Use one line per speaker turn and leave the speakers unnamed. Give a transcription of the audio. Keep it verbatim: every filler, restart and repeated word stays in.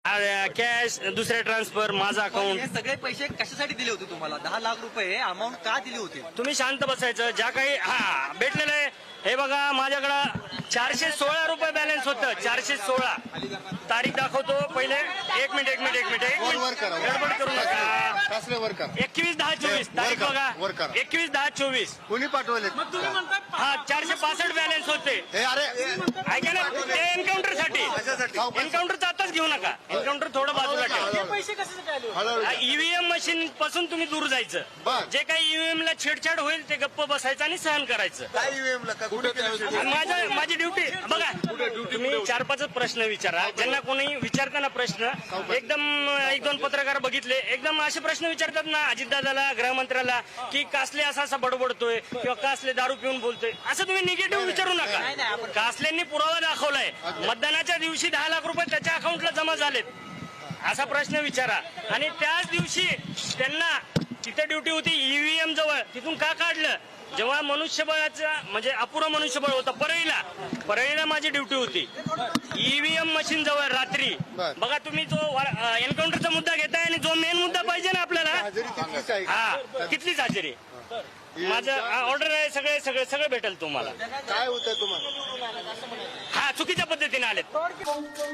Cash, दुसऱ्या transfer, माझा account.
हे सगळे पैसे कशासाठी दिले होते तुम्हाला? दहा लाख रुपये अमाऊंट का दिली होती?
तुम्ही शांत बसायचं. ज्या काही हा भेटलेलं आहे हे बघा, माझ्याकडं चारशे सोळा रुपये बॅलन्स होतं. चारशे सोळा तारीख दाखवतो पहिले. एक मिनिट एक मिनिट एक मिनिट एक मिनिट गडबड करू नका. एकवीस दहा चोवीस तारीख बघा. एकवीस दहा चोवीस
कोणी पाठवले?
हा चारशे पासष्ट बॅलन्स होते.
अरे
ऐका ना, ते एन्काउंटर साठी. एन्काउंटरचा आताच घेऊ नका. एन्काउंटर थोडं बाजूला ठेवा. ईव्हीएम मशीन पासून तुम्ही दूर जायचं. जे काही ईव्हीएम ला छेडछाड होईल ते गप्प बसायचं आणि सहन करायचं. माझं माझी ड्युटी बघा. तुम्ही चार पाच प्रश्न विचारा. ज्यांना कोणी विचारताना प्रश्न एकदम एक दोन पत्रकार बघितले एकदम असे प्रश्न विचारतात ना अजितदादाला, गृहमंत्र्याला, की कासले असा असा बडबडतोय किंवा कासले दारू पिऊन बोलतोय, असं तुम्ही निगेटिव्ह विचारू नका. कासलेंनी पुरावा दाखवलाय. मतदानाच्या दिवशी दहा लाख रुपये त्याच्या अकाउंटला जमा झालेत असा प्रश्न विचारा. आणि त्याच दिवशी त्यांना तिथे ड्युटी होती ईव्हीएम जवळ, तिथून का काढलं? जेव्हा मनुष्यबळाचा म्हणजे अपुरं मनुष्यबळ होतं परळीला. परळीला माझी ड्युटी होती ईव्हीएम मशीन जवळ रात्री. बघा तुम्ही जो एन्काउंटरचा मुद्दा घेताय आणि जो मेन मुद्दा पाहिजे ना आपल्याला, हा तिथलीच हजेरी. माझं ऑर्डर आहे. सगळे सगळे सगळं भेटेल तुम्हाला.
काय होतं तुम्हाला?
हा चुकीच्या पद्धतीने आलेत.